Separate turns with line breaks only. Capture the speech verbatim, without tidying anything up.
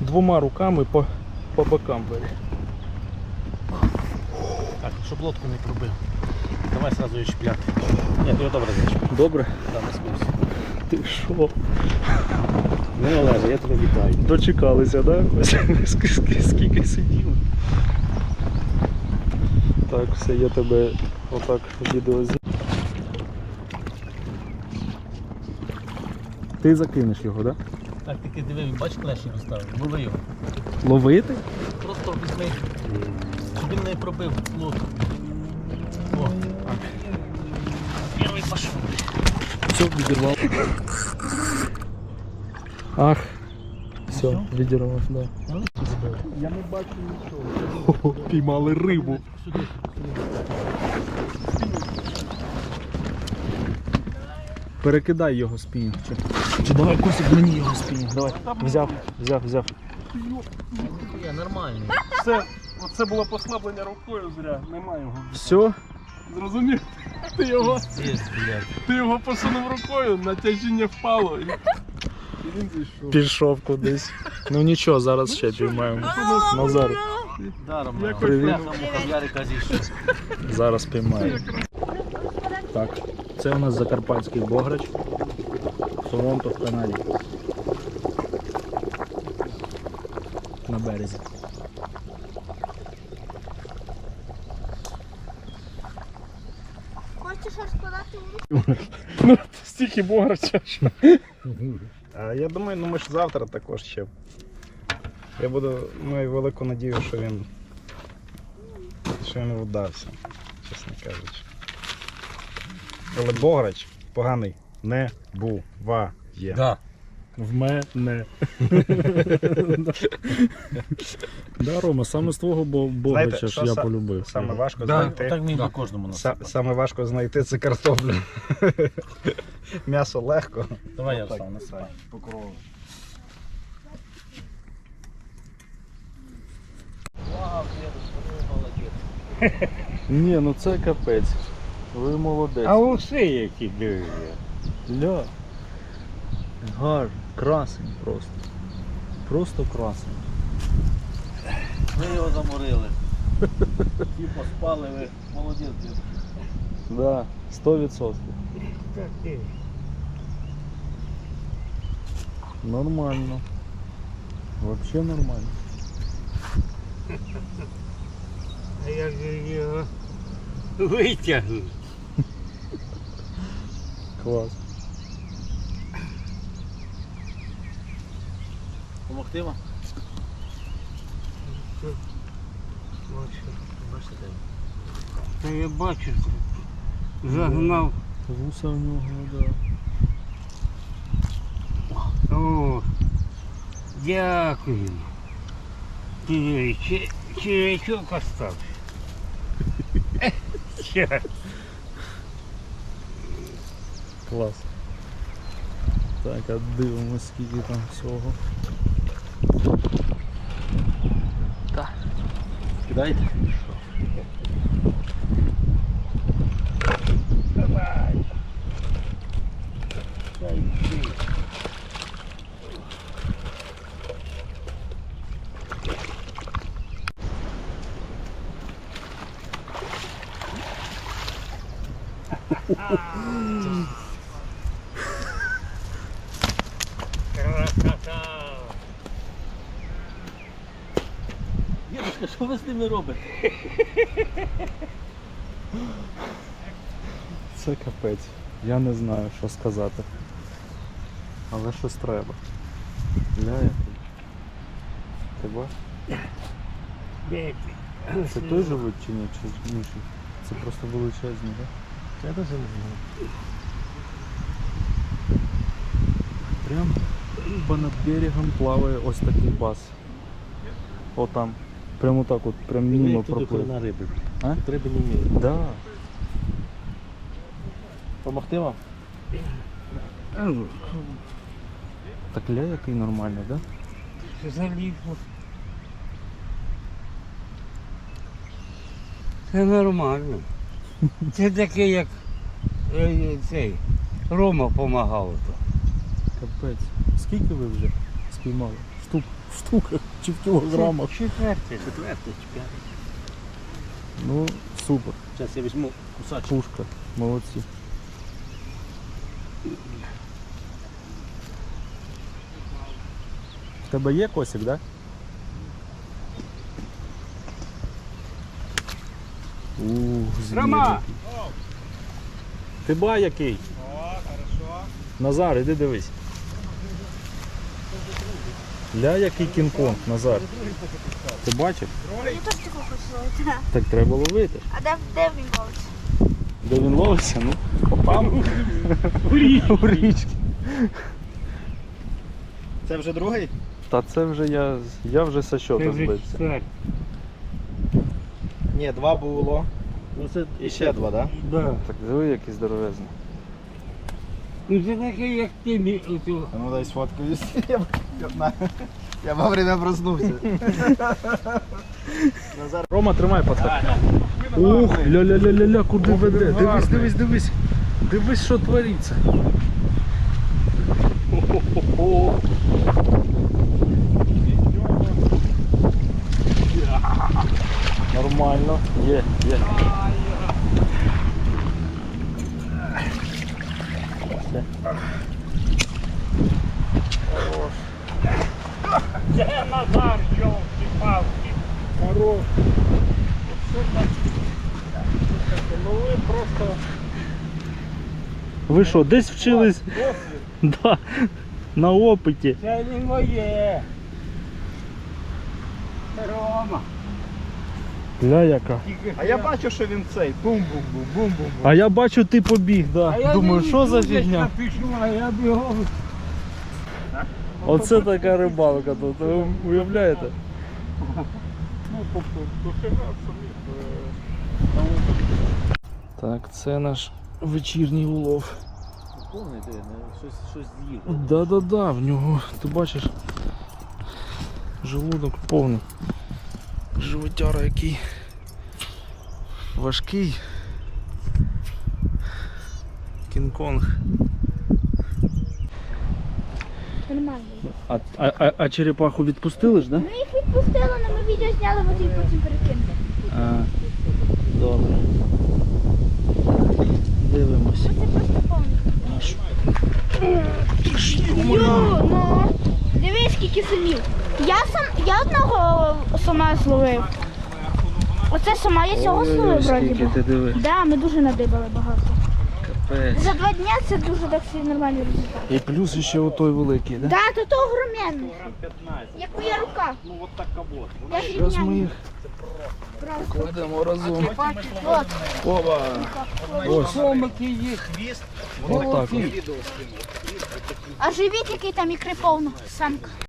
двома руками по, по бокам бери.
Так, щоб лодку не пробив. Давай сразу її чіпляти. Ні, ти його добре зачіпляв.
Добре?
Да, не спився.
Ти що?
Ну, Олеже, я тебе вітаю.
Дочекалися, так? Да? Скільки сиділи. Так, все, я тебе отак відео знімаю. Ти закинеш його, так? Да?
Так, тільки диви, він бач, клешні розставив. Лови його.
Ловити?
Просто візьми, щоб він не пробив лодку. О, перший пішов.
Все, відірвав. Ах, все, відірвав, да.
Я не бачу нічого.
Піймали рибу.
Сюди, сюди.
Перекидай його спінінг. Чи, чи давай Косик мені його спінінг. Давай. Взяв, взяв, взяв.
Я нормальний.
Все, оце було послаблення рукою зря, немає його.
Все?
Зрозумів? Ти його,
Здесь, блядь.
ти його посунув рукою, натяжіння впало і, і він зійшов.
Пішов кудись. Ну нічого, зараз ще піймаємо. Назар,
Даром,
Як
привіт.
Ярика зійшов.
зараз піймаємо. Так, це у нас закарпатський бограч. Торонто в Канаді. На березі.
Хочеш розкладати у
Ну, стільки бограча. що.
А я думаю, ну ми ж завтра також ще. Я буду, маю велику надію, що він що він вдався, чесно кажучи. Але бограч поганий не буває.
Да.
В мене. Да, Рома, саме з твого бо- бограча
Знаєте,
ж
що
я
са-
полюбив.
Саме важко
Да,
знайти.
так мені по кожному
Са-
насипати.
Саме важко знайти це картоплю. М'ясо легко.
Давай я встав, насипай.
Покрову.
Вау, дедусь, ви молодець.
Ні, ну це капець. Ви молодець.
А усе які диви.
Ля. Гар, красень просто. Просто красень.
Ви його заморили. Ті поспали, ви молодець, дедусь.
Да, сто відсотків. Нормально. Вообще нормально.
А як же його витягнути?
Клас.
Помогти вам?
Та я бачу, загнав.
Вуса в нього, да.
О, дякую. Диви, чи- червячок остався. Щас.
Клас. Так, а дивимось, скільки там всього.
Кидайте.
Красота.
Дедушка, що ви з ними робите?
Це капець. Я не знаю, що сказати. Але щось треба. Ля, який. Ти бачиш?
Бачиш.
Це той живуть чи ні? Чи інший? Це просто величезні, так?
Я теж не знаю.
Прям понад берегом плаває ось такий бас. О там. Прямо так от, прям мимо проплив.
на риби.
А?
Тут риби не вміють.
Да.
Помогти вам?
Так ля який нормальний, да?
Залізло. Це нормально. Це таке, як е, цей Рома допомагав.
Капець. Скільки ви вже спіймали? Штук В штуках чи в кілограмах.
Четвертий.
Четвертий чи п'ятий.
Ну, супер.
Зараз я візьму кусачок.
Пушка. Молодці. В тебе є косик, так? Да? Ух, звір.
Рома!
Ти ба який? О, хорошо. Назар, іди дивись. Ля, який кінг-конг, Назар. Ти бачив?
Я теж такого хочу ловити.
Так треба ловити.
А де, де він ловиться?
Де він ловиться? Ну, попав. У річки.
Це вже другий?
Та це вже я, я вже со
Це
щота
вже
збився.
четвертий.
Ні, два було.
Ну, це
І ще два, так?
Да.
Так диви, який здоровезний.
Ну це такий, як ти мій. ото.
А ну дай сфоткаюсь. Я, я, я вовремя проснувся.
Рома, тримай пацак. Ух, ля-ля-ля-ля-ля, куди веде? Дивись, дивись, дивись. Дивись, що твориться. Нормально. Є, є.
Це Назар, йолки-палки. Хорош. Ну ви просто...
Ви що, десь вчились? Да, на опиті.
Це не моє. Рома.
Ля яка.
Тільки
А я бачу, що він цей. Бум-бум-бум, бум-бум-бум.
А я бачу, ти побіг, да.
А я
Думаю,
не
що за
йду, десь
фігня?
напишу, а я бігом.
Оце така рибалка тут, ви уявляєте?
Ну, тобто, дофіга самих.
Так, це наш вечірній улов.
повний, де, щось, щось з'їв.
Да-да-да, в нього, ти бачиш, желудок повний. Животяра який важкий. Кінг-Конг.
Нормально.
А, а, а, а черепаху відпустили ж, да?
Ми їх відпустили, але ми відео зняли, от їх потім перекинули.
А, добре. Дивимось.
Це просто повний. Йо, ну. Дивись, скільки самів. Я сам, я одного сама зловив. Оце сама я цього зловив,
Ой-ой-ой,
вроді
скільки
би.
ти диви.
Да, ми дуже надибали багато.
Капець.
За два дня це дуже так собі нормальний результат.
І плюс ще отой великий, да?
Да, то то огроменний. Як моя рука.
Ну от так кабот.
Я ж
Зараз ми
рівняю.
їх кладемо разом.
От.
Опа! Ось.
Комики є.
Отак. от.
А живіт, який там ікри повно, самка.